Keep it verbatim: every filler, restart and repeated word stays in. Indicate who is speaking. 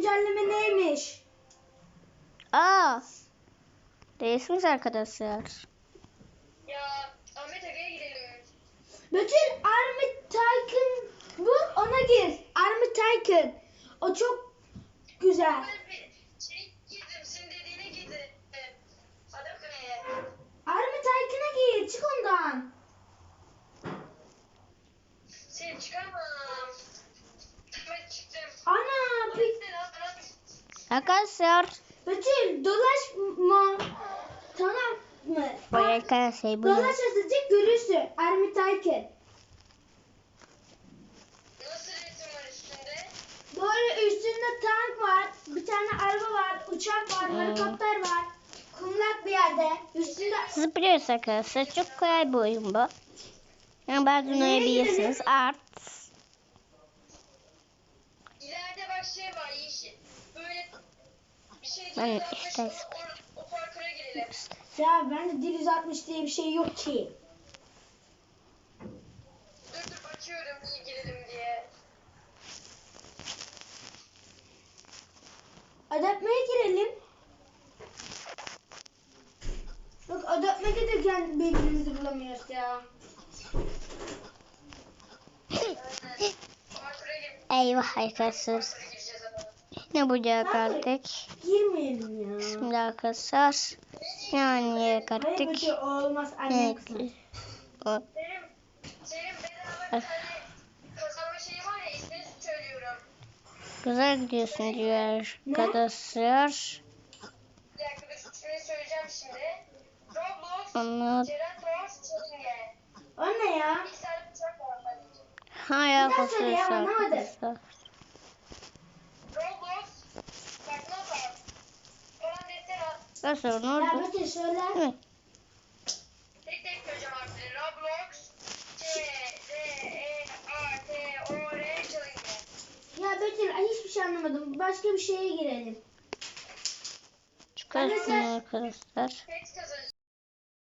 Speaker 1: güncelleme neymiş?
Speaker 2: Aa. Değilsiniz arkadaşlar.
Speaker 3: Ya Ahmet Aga'ya gidelim.
Speaker 1: Bütün Army Tycoon bu, ona gir. Army Tycoon. O çok güzel.
Speaker 3: Ben bir şey girdim, senin dediğine girdim. Hadi Aga'ya.
Speaker 1: Army Tycoon'a gir. Çık ondan.
Speaker 3: Seni çıkamam. Ben çıktım.
Speaker 1: Ana. Pe-
Speaker 2: Arkadaşlar.
Speaker 1: Betül dolaşma. Tamam mı?
Speaker 2: Bu arkadaşlar bu.
Speaker 1: Dolaş azıcık görürsün. Army Tycoon.
Speaker 3: Nasıl resim var üstünde?
Speaker 1: Böyle üstünde tank var. Bir tane araba var. Uçak var.
Speaker 2: Hmm.
Speaker 1: Helikopter var. Kumlak bir yerde. Üstünde...
Speaker 2: Siz biliyorsunuz arkadaşlar çok kolay bir oyun bu. Yani bazen oynayabilirsiniz. Art.
Speaker 3: İleride bak şey var, yeşil. Böyle bir şey
Speaker 2: Ben
Speaker 3: değil.
Speaker 2: işte-
Speaker 3: O, o parkura girelim.
Speaker 1: Ya bende dil yüz altmış diye bir şey yok ki.
Speaker 3: Dur dur bakıyorum iyi girelim diye.
Speaker 1: Adaptmeye girelim. Bak adaptmeye giderken birbirimizi bulamıyoruz ya.
Speaker 3: Parkura gir.
Speaker 2: Eyvah arkadaşlar.
Speaker 3: Parkura gireceğiz ama.
Speaker 2: Ne bucağa kaldık.
Speaker 1: Girmeyelim ya.
Speaker 2: Şimdi arkadaşlar. Yani yere
Speaker 1: Hayır
Speaker 2: kaldık.
Speaker 1: Betül olmaz anne
Speaker 2: Evet.
Speaker 1: kızım.
Speaker 2: O.
Speaker 3: Senin, senin bedava bir tane kazanma şeyi var ya ismini söylüyorum.
Speaker 2: Güzel gidiyorsun diyor arkadaşlar.
Speaker 3: Bir dakika dur ismini söyleyeceğim şimdi. Roblox,
Speaker 2: Anlat.
Speaker 3: Geratos, Challenge.
Speaker 1: O ne ya?
Speaker 3: İlk saat uçak var sadece.
Speaker 2: Hayır
Speaker 1: Bir daha söyle ya,
Speaker 2: arkadaşlar.
Speaker 1: anlamadım.
Speaker 3: Roblox, bak not al. Falan defter al.
Speaker 2: Arkadaşlar ne
Speaker 1: Ya
Speaker 2: oldu?
Speaker 1: Betül söyle.
Speaker 2: Hı.
Speaker 3: Tek tek söyleyeceğim harfleri. Roblox, C, D, E, A, T, O, R, Challenge.
Speaker 1: Ya Betül ay hiçbir şey anlamadım. Başka bir şeye girelim.
Speaker 2: Çıkarsın arkadaşlar.
Speaker 3: Text kazanacağım.